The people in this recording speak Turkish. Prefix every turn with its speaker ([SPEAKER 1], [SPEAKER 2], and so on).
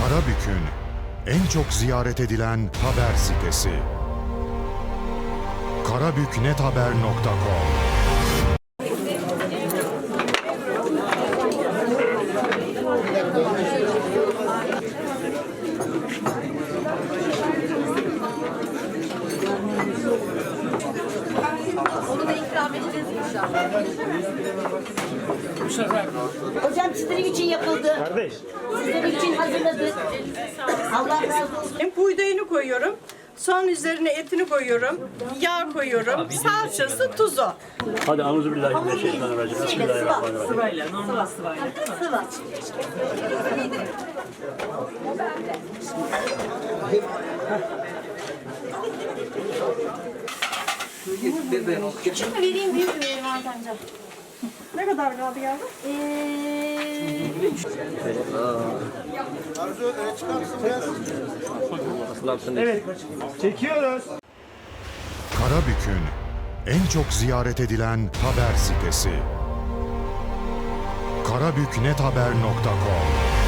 [SPEAKER 1] Karabük'ün en çok ziyaret edilen haber sitesi. karabüknethaber.com.
[SPEAKER 2] Onu da ikram edeceğiz inşallah.
[SPEAKER 3] Hocam sizlerin için yapıldı.
[SPEAKER 4] Kardeş.
[SPEAKER 3] Sizlerin için hazırladık. Allah razı olsun.
[SPEAKER 5] Buğdayını koyuyorum. Son üzerine etini koyuyorum. Yağ koyuyorum. Salçası, tuzu.
[SPEAKER 4] Hadi Euzubillahimineşşeytanirracim. Bismillahirrahmanirrahim.
[SPEAKER 5] Sıvayla, normal sıvayla.
[SPEAKER 3] Sıvı.
[SPEAKER 2] Küçük mü vereyim, büyük mü vereyim Hakan'cığım?
[SPEAKER 5] Ne kadar kaldı yavrum?
[SPEAKER 4] Evet. Çekiyoruz.
[SPEAKER 1] Karabük'ün en çok ziyaret edilen haber sitesi. karabüknethaber.com.